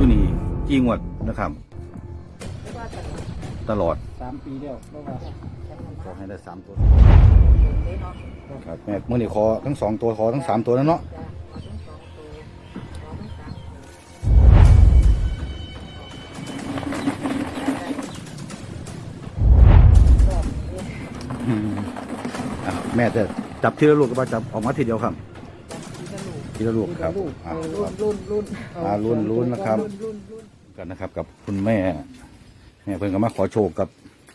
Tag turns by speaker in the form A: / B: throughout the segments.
A: อยู่นี่กี่งวดนะครับตลอด
B: 3 ปีแล้วเพราะว่า
A: ขอให้ได้3ตัวครับแม่เมื่อนี้ขอทั้ง2ตัวขอทั้ง3ตัวแล้วเนาะแม่จะจับทีละลูกก็ว่าจับออกมาทีเดียวครับทีละลูกครับรุ่นนะครับกันนะครับกับคุณแม่เพิ่นก็มาขอโชคกับ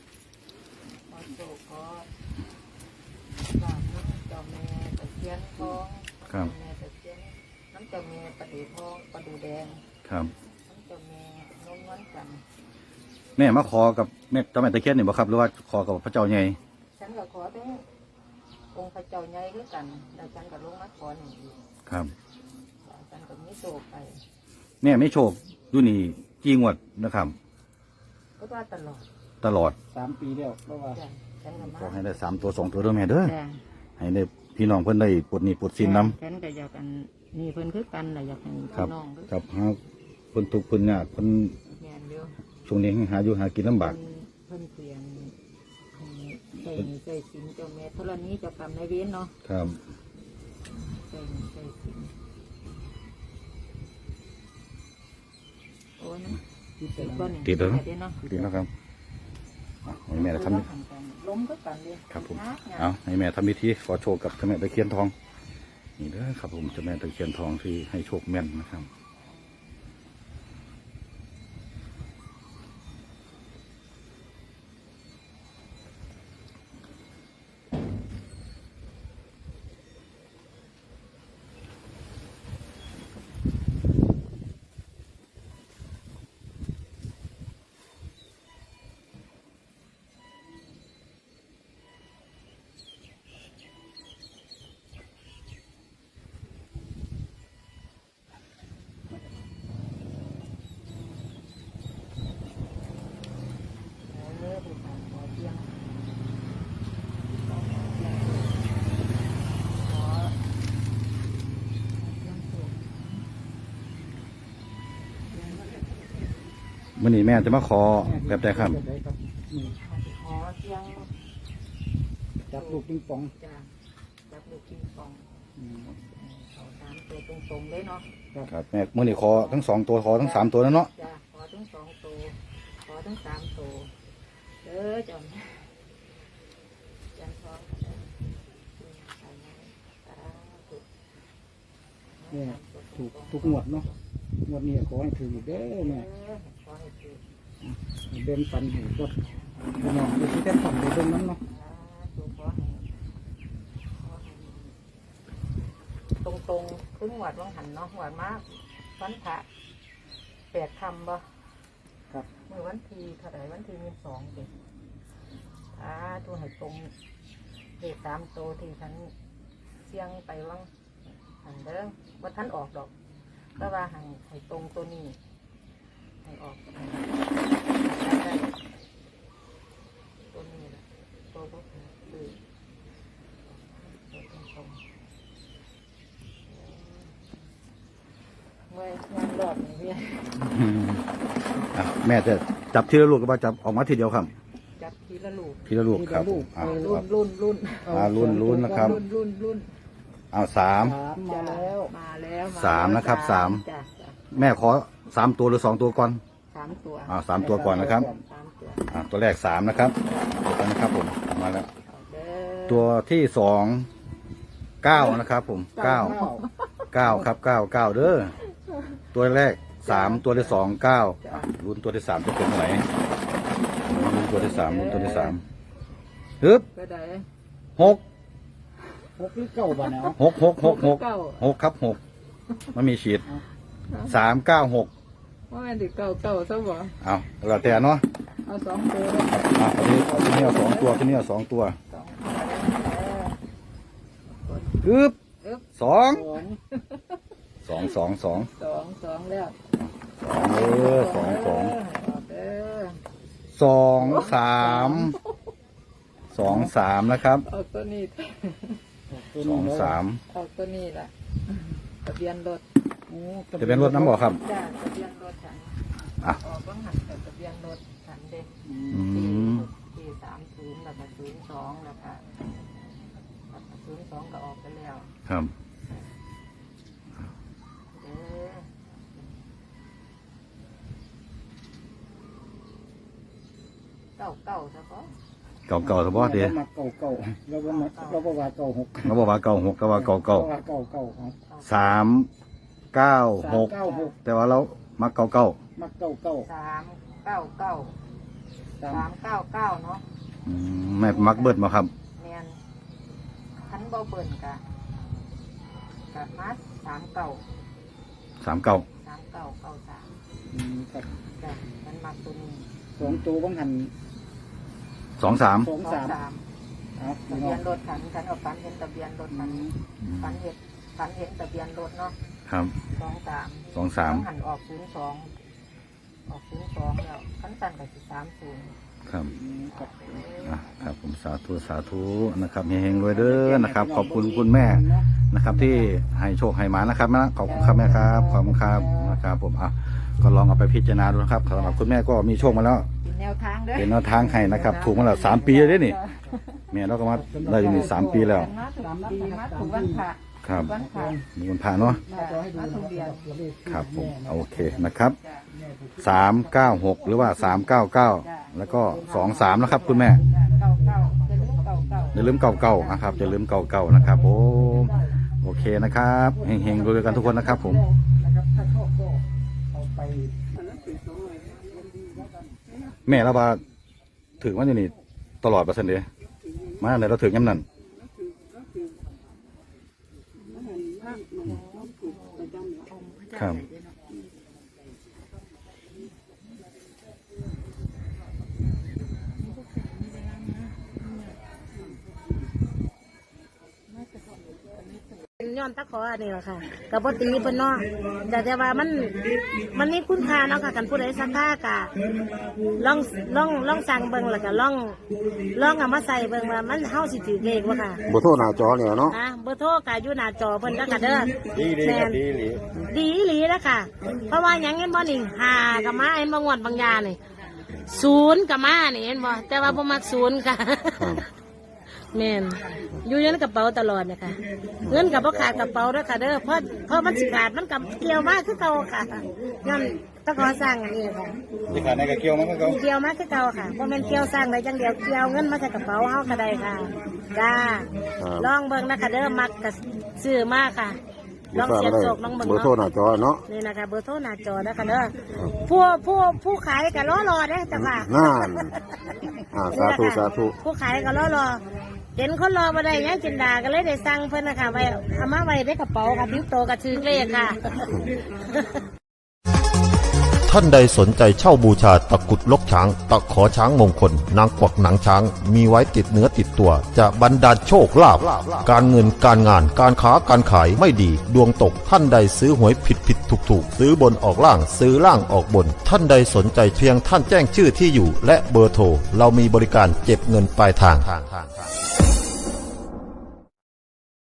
A: ครับ
C: น้ำเจ้าแม่ประดูทองประดูแดง
A: ครับ
C: น้ำเจ้าแม่นมวันกัน
A: แม่มาขอกับแม่เจ้าแม่ตะเคียนนี่บ่ครับหรือว่าขอกับพระเจ้าใหญ่
C: ฉันก็ขอทั้งองค์พระเจ้าใหญ่ด้วยกันแล้วฉันก็ลงมาขอหนึ่ง
A: ครับ
C: ฉันก็มีโชคไป
A: แม่ไม่โชคดูนี่กี่งวดนะครับ
C: ก็ว่า
A: ตลอด
B: 3 ปีแล้วเพราะว่า
A: ขอให้ได้3ตัว2ตัวด้วยแม่เด้อให้ได้พี่น้องเพิ่นได้ปลดหนี้ปลดสินนำ
C: ฉันก็อยากกันนี่เพิ่นคือกันแหละอยากให้พี่น้อง
A: ครับเพิ่นทุกข์เพิ่นยากเพิ่นช่วงนี้หาอยู่หากินลำบาก
C: เพิ่นเปลี่ยนใจสินเจ้าแม่ธรณีเจ้ากรรมนายเวรเนาะ
A: ครับ
C: ใจสินโอ้ยนะ
A: ติดแล้วครับให้แม่ทำ
C: ล้มก็กันเลย
A: ครับผมเอาให้แม่ทำพิธีขอโชคกับเจ้าแม่ตะเคียนทองนี่เด้อครับผมเจ้าแม่ตะเคียนทองที่ให้โชคแม่นนะครับวันนี้แม่จะมาขอแบบใดครับ
C: ขอเสียง
B: จับลูกปิงปอง
C: จับลูกปิงปองขอ3ตัวตรงๆเลยเนาะ
A: ครับแม่เมื่อนี้ขอทั้ง2ตัวขอทั้ง3ตัวแล้วเนาะ
C: ขอทั้ง2ตัวขอทั้ง3ตัวจอมทอง
B: เนี่ยถูกทุกงวดเนาะงวดนี้ขอให้ถือเด้อแม่เดินปันหูก็พี่น้องไปที่แท่นฝันไปเดินน้ำเนาะ
C: ตรงๆขึ้นหวดวังหันเนาะหวดมากวันพระ8 ค่ำบ่
B: ครับ
C: เมื่อวันที่เท่าไหร่วันที่22เด็กตัวให้ตรงเลข3ตัวที่ฉันเสี่ยงไปวังหันเด้อว่าท่านออกดอกก็ว่าให้ตรงตัวนี้ให้ออกได้ตัวนี้แหละตัวพวกนี้คือตัวตรงเมื่องานหลอดนี่พี่
A: แม่จะจับทีละลูกก็ว่าจับออกมาทีเดียวครับ
C: จับทีละลูก
A: ครับรุ่นนะครับเอา3
C: มาแล้ว
A: 3นะครับ3แม่ขอ3ตัวหรือ2ตัวก่อน
C: 3ตัว
A: 3ตัวก่อนนะครับตัวแรก3นะครับตัวนะครับผมมาแล้วตัวที่2 9นะครับผม9ครับ9เด้อตัวแรก3ตัวที่2 9รุ่นตัวที่3จะเป็นไหนรุ่นตัวที่3ฮึบ6
B: หรือ9บ้านเนาะ
A: 6ครับ6มันมีฉีด396
C: ว่ามันถึง9ซะบ่
A: เอาแล้วแต่เนาะ
C: เอา2ตัว
A: ที่นี่เอา2ตัวที่นี่เอา2ตัวฮึบ2 2
C: แล้ว
A: 2 3นะครับ
C: เอาตัวนี้
A: 2 3
C: เอาตัวนี้แหละทะเบียนรถ
A: น้ำบ่ครับ
C: ทะเบียนรถฉัน
A: อ่ะ
C: ออกบ้างหันแต่ทะเบียนรถฉันเด็ก
A: อืม
C: ที่30แล้วก็02แล้วก็02ก็ออกไปแล้ว
A: ครับ
C: เก้าซะก็
A: เก่าๆสบอเดีย
B: มาเก่าเราก็มาเราก็ว่าเก่าหก
A: เขาบอกว่าเก่าหกก็ว่าเก่า
B: ว่าเก่าครับ
A: 396
B: 396
A: แต่ว่าเรามักเก่า
B: มาเก่า
C: 399เนาะ
A: อืมแม่มักเบิดมาครับ
C: แม่นคันบ่เบิ่นกะมา39
A: 39
C: 3993
B: ครับ
C: จ้ะมันมักตัวนี้
B: 2ตัวบังหัน
A: 23
B: 23เอา
C: ทะเบียนรถฉันเอาฝันเห็นทะเบียนรถฉันฝันเห็นทะเบียนรถเนาะ
A: ครับ
C: 23หันออก02แล้วคันสั่นก็สิ30
A: ครับ
B: ครับ
A: ครับผมสาธุนะครับเฮงๆรวยเด้อนะครับ ขอบคุณคุณแม่นะครับ ที่ให้โชคให้หมานะครับนะขอบคุณครับแม่ครับขอบคุณครับนะครับผมก็ลองเอาไปพิจารณาดูนะครับสำหรับคุณแม่ก็มีโชคมาแล้ว
C: เป็นแนวทางเด้อ
A: เป็นแนวทางให้นะครับ ถูกมาแล้ว3 ปีแล้วเด้อนี่แม่เราก็มาได้อยู่นี่3 ปีแล้ว
C: มาถูกวันพระ
A: ครับ
C: วันพระ
A: มีคนผ่านเนาะ
B: หน้าจอให้ดูนะครับตัวเลข
A: ครับผมโอเคนะครับ396หรือว่า399แล้วก็23นะครับคุณแม่
C: 99จะลืมเก่า
A: อย่าลืมเก่าๆนะครับอย่าลืมเก่าๆนะครับผมโอเคนะครับเฮงๆรวยๆกันทุกคนนะครับผม
B: นะครับถ้าชอบก็เอาไป
A: แม่เราว่าถึงว่าอยู่นี่ตลอด%เดียมาไหนเราถึงย้ำนั่นครับ
D: เป็นย้อนตะขออันนี้แหละค่ะกับปตีเพิ่นเนาะแต่ว่ามันนี่คุณค่าเนาะค่ะกันผู้ใดสักค่ากะลองสั่งเบิ่งแล้วก็ลองเอามาใส่เบิ่งว่ามันเฮาสิถือเลขบ่ค่ะ
E: เบอร์โทรหน้าจอเนี่ยเนาะ
D: เบอร์โทรก็อยู่หน้าจอเพิ่นแล้วก็เด้อ
A: ดี
D: แม่
A: ครับ
D: น ดีอีหลีแล้วค่ะ เพราะว่าหยังเห็นบ่นี่5ก็มาเห็นบ่งวดบางยานี่0ก็มานี่เห็นบ่แต่ว่าบ่มัก0ค่ะ แม่นอยู่ในกระเป๋าตลอดเนะคะเงินกับพ่ขาดกระเป๋าด้วยค่ะเด้อเพราะมันสิขาดมันกับเกี่ยวมากคือเก่าค่ะย้อนตะขอสร้างอันนี้ค่ะ
A: ที่ขาดในกระเกียวมั้งก็
D: เกี่ยวมากคือเก่าค่ะเพราะมันเกี่ยวสร้างได้จังเดียวเกี่ยวเงินมาใส่กระเป๋าเฮาก็ได้ค่ะจ้าลองเบิ่งนะคะเด้อมักกับซื้อมากค่ะลองเสียบโศกลองเบิ่ง
E: เบอร์โทรห
D: เนาะ
E: น้าจอเนาะ
D: นี่นะคะเบอร์โทรหน้าจอนะคะเด้อผู้ขายก็รอเด้อจ้ะค่ะ
E: นั่นสาธุสาธุ
D: ผู้ขายก็รอเห็นคนรอมาได้ยังจินดาก็เลยได้สั่งเพิ่นนะคะไว้เอามาไว้ในกระเป๋าค่ะทิ้งโตกระชื่อเลขค่ะ
F: ท่านใดสนใจเช่าบูชาตะกรุดลกช้าง ตะขอช้างมงคล นางกวักหนังช้าง มีไว้ติดเนื้อติดตัว จะบรรดาลโชคลาภการเงินการงานการค้าการขายไม่ดี ดวงตกท่านใดซื้อหวยผิดถูกซื้อบนออกล่างซื้อล่างออกบน ท่านใดสนใจเพียงท่านแจ้งชื่อที่อยู่ และเบอร์โทรเรามีบริการเก็บเงินปลายทาง